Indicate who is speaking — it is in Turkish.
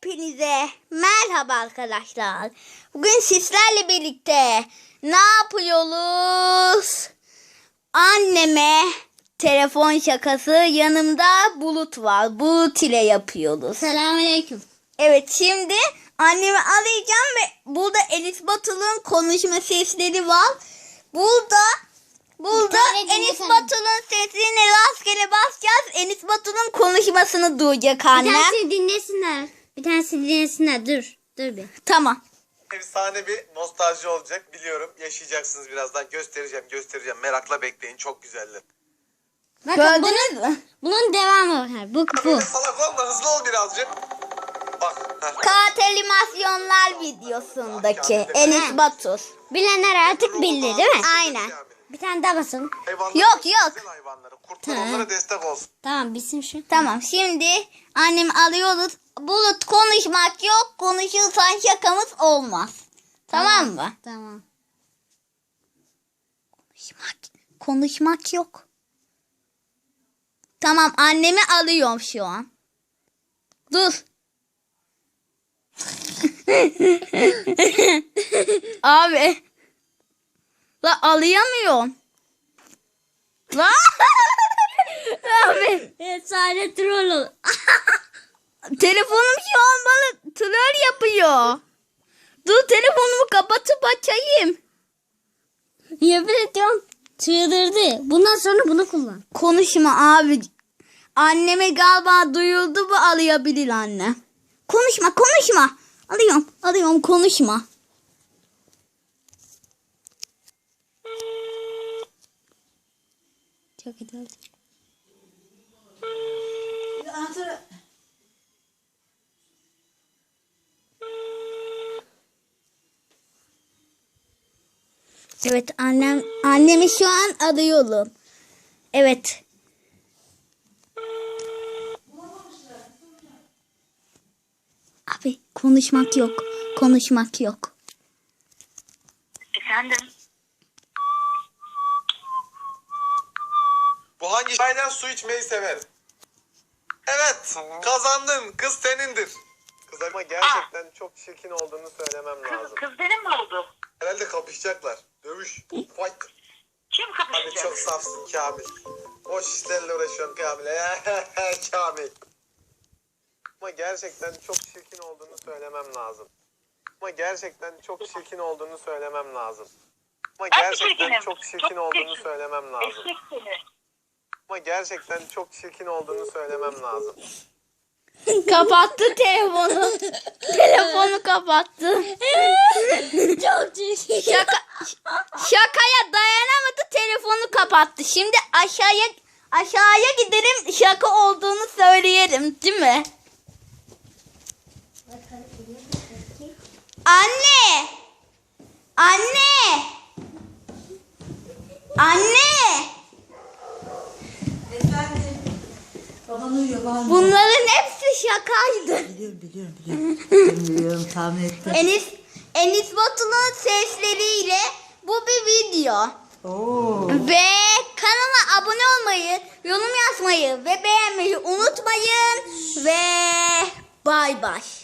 Speaker 1: Hepinize merhaba arkadaşlar. Bugün sizlerle birlikte ne yapıyoruz? Anneme telefon şakası, yanımda Bulut var. Bulut ile yapıyoruz.
Speaker 2: Selamünaleyküm.
Speaker 1: Evet, şimdi annemi arayacağım ve burada Enis Batur'un konuşma sesleri var. Burada Enis Batur'un sesini rastgele basacağız. Enis Batur'un konuşmasını duyacak annem.
Speaker 2: Bir tanesini dinlesinler. Dur bir.
Speaker 1: Tamam.
Speaker 3: Efsane bir nostalji olacak, biliyorum. Yaşayacaksınız birazdan. Göstereceğim. Merakla bekleyin. Çok güzeller.
Speaker 2: Bakın
Speaker 1: Gördünüz mü?
Speaker 2: bunun devamı var. Bu.
Speaker 3: Böyle salak olma, hızlı ol birazcık. Bak.
Speaker 1: Kağıt animasyonlar videosundaki Enis Batur.
Speaker 2: Bilenler artık bildi değil mi?
Speaker 1: Aynen.
Speaker 2: Bir tane daha basın.
Speaker 1: Yok.
Speaker 3: Güzel hayvanları. Kurtlar onlara destek olsun.
Speaker 2: Tamam bitsin şu.
Speaker 1: Tamam, şimdi annemi alıyoruz. Bulut, konuşmak yok. Konuşursan şakamız olmaz. Tamam mı?
Speaker 2: Tamam.
Speaker 1: Konuşmak yok. Tamam, annemi alıyorum şu an. Dur. Abi. La alayamıyorum. La. Abi.
Speaker 2: Efsane troll.
Speaker 1: Telefonum şu an bana troll yapıyor. Dur, telefonumu kapatıp açayım.
Speaker 2: Yemin ediyorum. Çıldırdı. Bundan sonra bunu kullan.
Speaker 1: Konuşma abi. Anneme galiba duyuldu, bu alıyabilir anne. Konuşma. Alıyorum, konuşma.
Speaker 2: Çok iyi oldu.
Speaker 1: Evet, annemi şu an arıyorum. Evet. Abi, konuşmak yok.
Speaker 4: Efendim?
Speaker 3: Bu hangi çaydan su içmeyi sever? Evet, kazandın. Kız senindir. Kız ama gerçekten çok çirkin olduğunu söylemem lazım.
Speaker 4: Kız benim mi oldu?
Speaker 3: Herhalde kapışacaklar. Dövüş. Fight.
Speaker 4: Kim
Speaker 3: Hani
Speaker 4: kapışacak?
Speaker 3: çok safsın Kamil. Boş işlerle uğraşıyorsun Kamil. Kamil. Ama gerçekten çok çirkin olduğunu söylemem lazım. Ama gerçekten çok çirkin olduğunu söylemem lazım. Ama
Speaker 4: Ben
Speaker 3: gerçekten
Speaker 4: çirkinim.
Speaker 3: çok çirkin olduğunu
Speaker 4: çirkin.
Speaker 3: söylemem lazım.
Speaker 4: Eşek seni.
Speaker 3: Ama gerçekten çok çirkin olduğunu söylemem lazım.
Speaker 1: Kapattı telefonu. Telefonu kapattı.
Speaker 2: Çok çirkin.
Speaker 1: Şakaya dayanamadı, telefonu kapattı. Şimdi aşağıya gidelim, şaka olduğunu söyleyelim, değil mi? Anne!
Speaker 5: Efendim. Baban uyuyor bağırma.
Speaker 1: Bunların hepsi şakaydı.
Speaker 5: Biliyorum tahmin ettim.
Speaker 1: Enis Batur'un sesleriyle bu bir video.
Speaker 5: Oo.
Speaker 1: Ve kanala abone olmayı, yorum yazmayı ve beğenmeyi unutmayın. Ve bay bay.